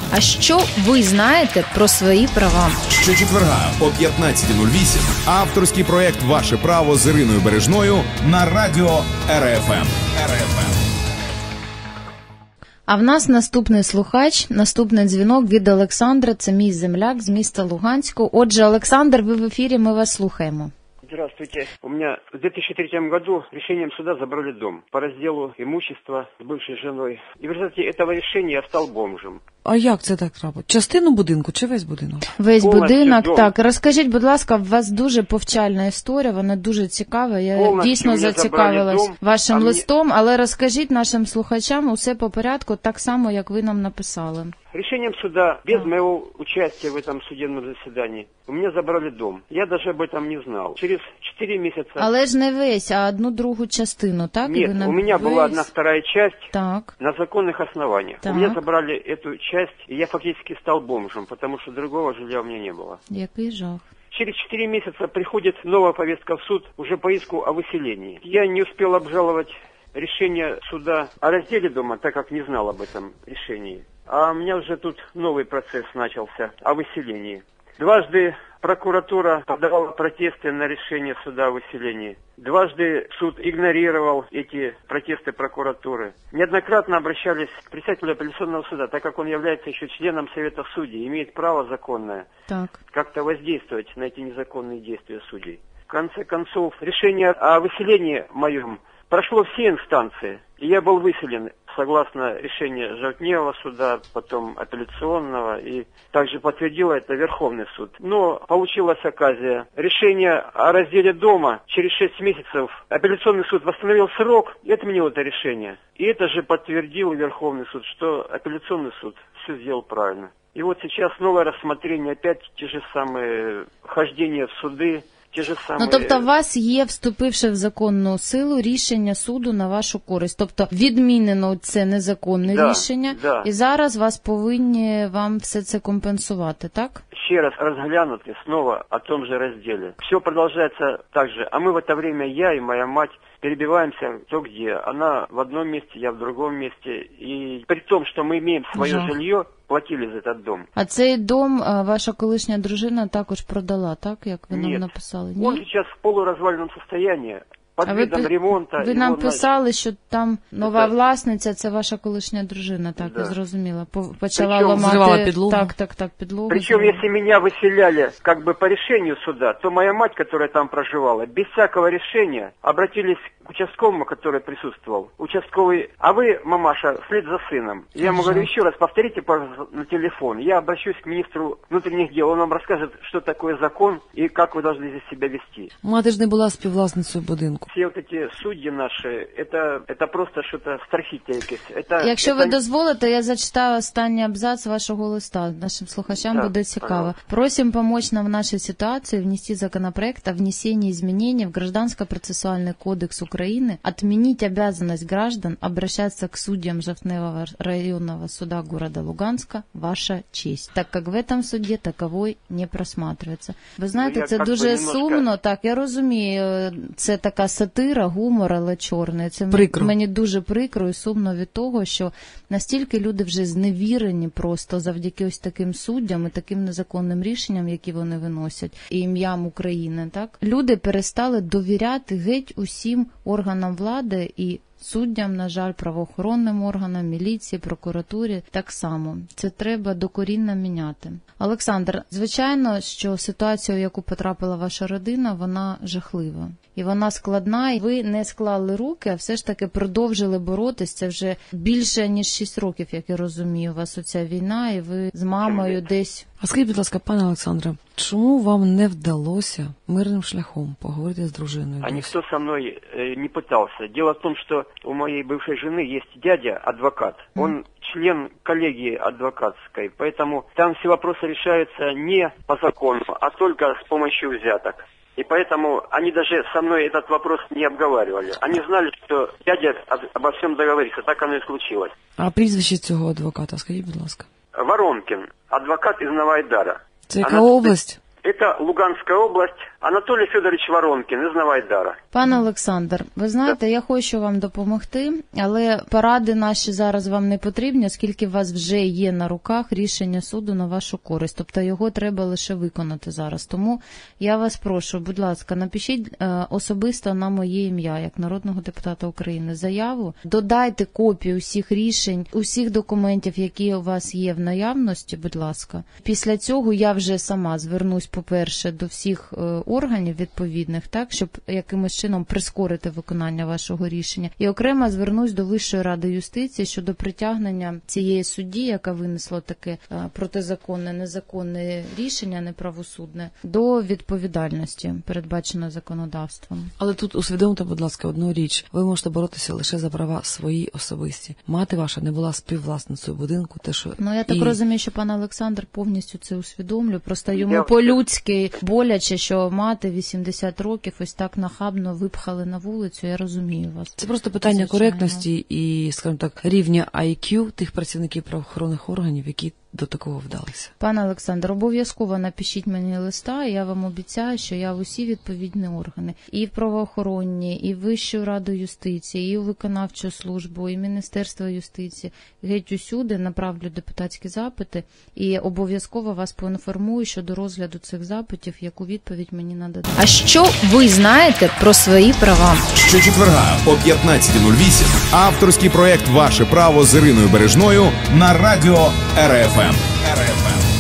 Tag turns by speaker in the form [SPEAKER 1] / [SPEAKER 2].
[SPEAKER 1] А що ви знаєте про свої права?
[SPEAKER 2] Щочетверга о 15:08 авторський проєкт «Ваше право» з Іриною Бережною на радіо РФМ.
[SPEAKER 1] А в нас наступний слухач, наступний дзвінок від Олександра. Це мій земляк з міста Луганську. Отже, Олександр, ви в ефірі, ми вас слухаємо.
[SPEAKER 3] Здравствуйте. У меня в 2003 году решением суда забрали дом по разделу имущества с бывшей женой. И в результате этого решения я стал бомжем.
[SPEAKER 4] А як це так трапилось? Частину будинку чи весь будинок?
[SPEAKER 1] Весь
[SPEAKER 3] Повністю
[SPEAKER 1] будинок,
[SPEAKER 3] дом.
[SPEAKER 1] так. Розкажіть, будь ласка, у вас дуже повчальна історія, вона дуже цікава. Я
[SPEAKER 3] Повністю
[SPEAKER 1] дійсно
[SPEAKER 3] мене
[SPEAKER 1] зацікавилась
[SPEAKER 3] забрали дом,
[SPEAKER 1] вашим
[SPEAKER 3] а мені-
[SPEAKER 1] листом, але розкажіть нашим слухачам усе по порядку, так само, як ви нам написали.
[SPEAKER 3] Решением суда, без моего участия в этом судебном заседании, у меня забрали дом. Я даже об этом не знал. Через 4 месяца...
[SPEAKER 1] Але ж не весь, а одну другу частину, так? І
[SPEAKER 3] Нет,
[SPEAKER 1] ви нам-
[SPEAKER 3] у меня была
[SPEAKER 1] весь?
[SPEAKER 3] 1/2 часть
[SPEAKER 1] Так.
[SPEAKER 3] на законных основаниях.
[SPEAKER 1] Так.
[SPEAKER 3] У меня забрали эту часть, и я фактически стал бомжем, потому что другого жилья у меня не было.
[SPEAKER 1] Який жах.
[SPEAKER 3] Через 4 месяца приходит новая повестка в суд уже по иску о выселении. Я не успел обжаловать решение суда о разделе дома, так как не знал об этом решении. А у меня уже тут новый процесс начался о выселении. Дважды прокуратура подавала протесты на решение суда о выселении. Дважды суд игнорировал эти протесты прокуратуры. Неоднократно обращались к председателю апелляционного суда, так как он является еще членом Совета судей, имеет право законное
[SPEAKER 1] Так.
[SPEAKER 3] как-то воздействовать на эти незаконные действия судей. В конце концов, решение о выселении моем прошло все инстанции, и я был выселен согласно решению Жовтневого суда, потом апелляционного, и также подтвердил это Верховный суд. Но получилась оказия. Решение о разделе дома через 6 месяцев апелляционный суд восстановил срок и отменил это решение. И это же подтвердил Верховный суд, что апелляционный суд все сделал правильно. И вот сейчас новое рассмотрение, опять те же самые хождения в суды, ті ж самі...
[SPEAKER 1] Ну, тобто, у вас є, вступивши в законну силу, рішення суду на вашу користь. Тобто, відмінено це незаконне рішення, і зараз вас повинні вам все це компенсувати, так?
[SPEAKER 3] Ще раз розглянути снова о том же разделе. Все продолжается так же. А мы в это время, я и моя мать, перебиваемся кто где. Она в одном месте, я в другом месте. И при том, что мы имеем свое жилье, платили за этот дом.
[SPEAKER 1] А цей дом ваша колишня дружина також продала, так, як ви нам написали?
[SPEAKER 3] Ні, он сейчас в полуразваленном состоянии. Під видом ремонту.
[SPEAKER 1] Ви нам писали, що там нова власниця, це ваша колишня дружина, так, я зрозуміла. Почала ламати підлогу. Так, підлогу.
[SPEAKER 3] Причем, если меня выселяли как бы по решению суда, то моя мать, которая там проживала, без всякого решения обратились к участковому, который присутствовал. Участковый, а вы, мамаша, вслед за сыном. Я ему говорю, еще раз повторите, пожалуйста, на телефон. Я обращусь к министру внутренних дел, он вам расскажет, что такое закон и как вы должны здесь себя вести.
[SPEAKER 4] Мати ж не була співвласницею будинку.
[SPEAKER 3] Все вот эти судьи наши, это просто что-то страхітельне.
[SPEAKER 1] Якщо ви дозволите, я зачитаю останній абзац вашого листа. Нашим слухачам буде цікаво. Просим помочь нам в нашей ситуации внести законопроект о внесении изменений в Гражданско-процессуальный кодекс Украины, отменить обязанность граждан обращаться к судьям Жовтневого районного суда города Луганска, ваша честь, так как в этом суде таковой не просматривается. Ви знаєте, це дуже сумно, так, я розумію, це така сатира, гумор, але чорний. Це мені дуже прикро і сумно від того, що настільки люди вже зневірені просто завдяки ось таким суддям і таким незаконним рішенням, які вони виносять, і ім'ям України, так? Люди перестали довіряти геть усім органам влади і суддям, на жаль, правоохоронним органам, міліції, прокуратурі так само. Це треба докорінно міняти. Олександр, звичайно, що ситуація, у яку потрапила ваша родина, вона жахлива. І вона складна, і ви не склали руки, а все ж таки продовжили боротись. Це вже більше, ніж 6 років, як я розумію, у вас оця війна, і ви з мамою десь...
[SPEAKER 4] А скажіть, будь ласка, пане Олександре, чому вам не вдалося мирним шляхом поговорити з дружиною?
[SPEAKER 3] А никто со мной не пытался. Дело в том, что у моей бывшей жены есть дядя, адвокат. Он член коллегии адвокатской, поэтому там все вопросы решаются не по закону, а только с помощью взяток. И поэтому они даже со мной этот вопрос не обговаривали. Они знали, что дядя обо всем договорится. Так оно и случилось.
[SPEAKER 4] А прізвище цього адвоката, скажіть, будь ласка.
[SPEAKER 3] Воронкин, адвокат из Новоайдара.
[SPEAKER 4] Це яка область?
[SPEAKER 3] Это Луганская область, Анатолій Федорович Воронкін із Новоайдара.
[SPEAKER 1] Пане Олександр, ви знаєте, я хочу вам допомогти, але поради наші зараз вам не потрібні, оскільки у вас вже є на руках рішення суду на вашу користь, тобто його треба лише виконати зараз. Тому я вас прошу, будь ласка, напишіть особисто на моє ім'я, як народного депутата України, заяву, додайте копію усіх рішень, усіх документів, які у вас є в наявності, будь ласка. Після цього я вже сама звернусь, по-перше, до всіх органів відповідних, так, щоб якимось чином прискорити виконання вашого рішення. І окремо звернусь до Вищої ради юстиції щодо притягнення цієї судді, яка винесла таке протизаконне, незаконне рішення, неправосудне, до відповідальності, передбаченої законодавством.
[SPEAKER 4] Але тут усвідомте, будь ласка, одну річ. Ви можете боротися лише за права свої особисті. Мати ваша не була співвласницею будинку.
[SPEAKER 1] Я так розумію, що пан Олександр повністю це усвідомлює. Просто йому по-людськи боляче, що мати 80 років ось так нахабно випхали на вулицю. Я розумію вас.
[SPEAKER 4] Це просто питання коректності і, скажімо так, рівня IQ тих працівників правоохоронних органів, які до такого вдалися.
[SPEAKER 1] Пане Олександр, обов'язково напишіть мені листа, і я вам обіцяю, що я в усі відповідні органи, і в правоохоронні, і в Вищу раду юстиції, і в виконавчу службу, і Міністерство юстиції, геть усюди направлю депутатські запити, і обов'язково вас поінформую щодо розгляду цих запитів, яку відповідь мені нададуть. А що ви знаєте про свої права?
[SPEAKER 2] Щочетверга о 15:08 авторський проект «Ваше право» з Іриною Бережною на радіо РФМ.